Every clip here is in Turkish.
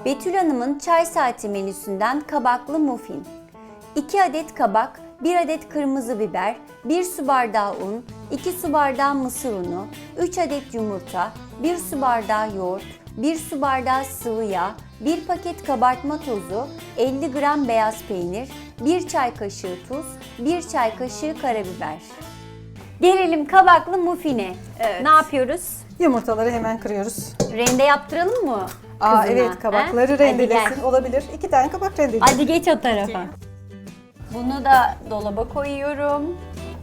Betül Hanım'ın çay saati menüsünden kabaklı muffin. 2 adet kabak, 1 adet kırmızı biber, 1 su bardağı un, 2 su bardağı mısır unu, 3 adet yumurta, 1 su bardağı yoğurt, 1 su bardağı sıvı yağ, 1 paket kabartma tozu, 50 gram beyaz peynir, 1 çay kaşığı tuz, 1 çay kaşığı karabiber. Gelelim kabaklı muffine. Evet. Ne yapıyoruz? Yumurtaları hemen kırıyoruz. Rende yaptıralım mı? Aa kızına, evet, kabakları he? Hadi rendelesin. gel. Olabilir. 2 tane kabak rendelesin. Hadi geç o tarafa. Bunu da dolaba koyuyorum.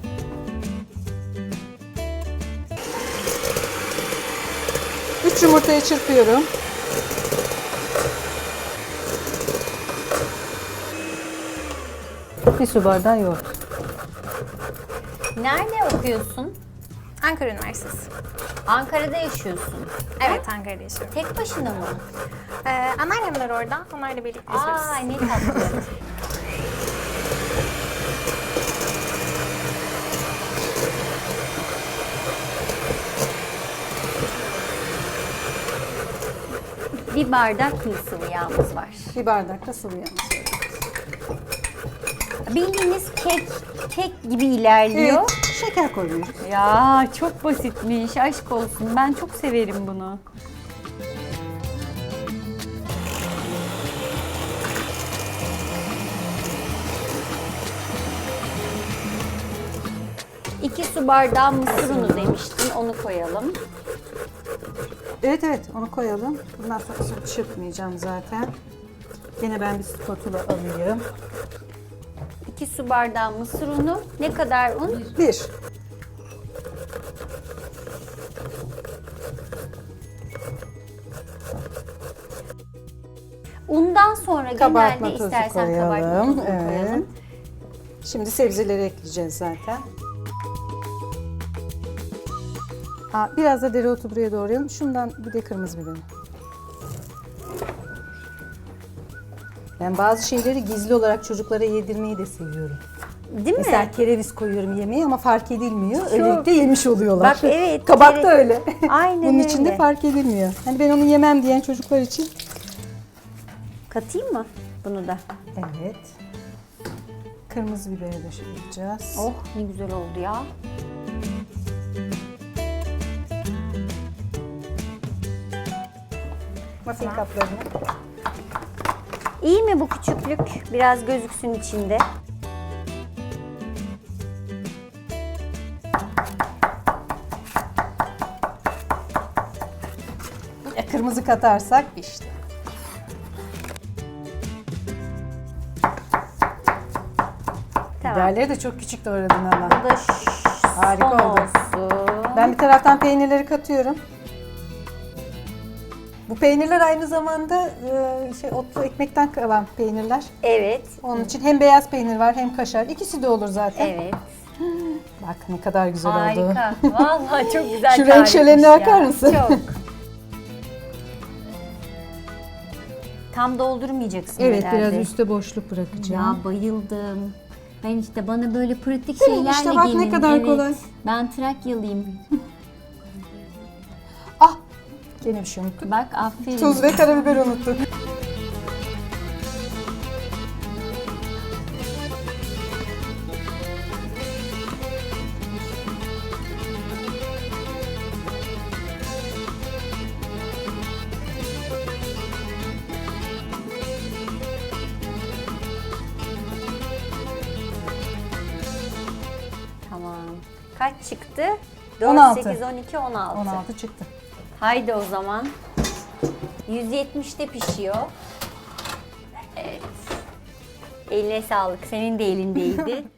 Üç yumurtayı çırpıyorum. Bir su bardağı yoğurt. Nerede okuyorsun? Ankara Üniversitesi. Ankara'da yaşıyorsun. Evet, Ankara'da yaşıyorum. Tek başına mı? Anneannemler orada. Onlarla birlikte yaşıyoruz. Aa ne tatlı. Bir bardak mı sıvı yağımız var. Bir bardak da sıvı yağ. Bildiğiniz kek gibi ilerliyor. Evet, şeker koyuyoruz. Ya çok basitmiş. Aşk olsun. Ben çok severim bunu. İki su bardağı mısır unu demiştin. Onu koyalım. Evet evet, onu koyalım. Bundan sonra çırpmayacağım zaten. Yine ben bir spatula alayım. 2 su bardağı mısır unu. Ne kadar un? 1. Undan sonra Kabartma genelde tozu istersen koyalım. kabartma tozunu Evet. koyalım. Şimdi sebzeleri ekleyeceğiz zaten. Biraz da dereotu buraya doğrayalım. Şundan bir de kırmızı biber. Ben bazı şeyleri gizli olarak çocuklara yedirmeyi de seviyorum. Değil mi? Mesela kereviz koyuyorum yemeğe ama fark edilmiyor. Öylelikle yemiş oluyorlar. Bak, evet, Kabak da öyle. Aynen Bunun içinde öyle. fark edilmiyor. Hani ben onu yemem diyen çocuklar için. Katayım mı bunu da? Evet. Kırmızı biberi de şey yapacağız. Oh ne güzel oldu ya. Muffin kaplarını. İyi mi bu küçüklük? Biraz gözüksün içinde. Kırmızı katarsak işte. Tamam. Biberleri de çok küçük doğradın ama. Bu da Harika son oldu. olsun. Ben bir taraftan peynirleri katıyorum. Bu peynirler aynı zamanda otlu ekmekten kalan peynirler. Evet. Onun için hem beyaz peynir var hem kaşar. İkisi de olur zaten. Evet. Bak ne kadar güzel oldu. Harika. Vallahi çok güzel Şu renk tarifmiş şölenine ya. bakar mısın? Çok. Tam doldurmayacaksın Evet, herhalde. biraz üstte boşluk bırakacağım. Ya bayıldım. Ben işte bana böyle pratik Değil mi? şeylerle İşte bak ne gelin. kadar Evet. kolay. Ben Trakyalıyım. Ah! Gene bir şey unuttuk. Bak aferin. Tuz ve karabiber unuttuk. Tamam. Kaç çıktı? 4, 16. 8, 12, 16. 16 çıktı. Haydi o zaman. 170'te pişiyor. Evet. Eline sağlık. Senin de elindeydi.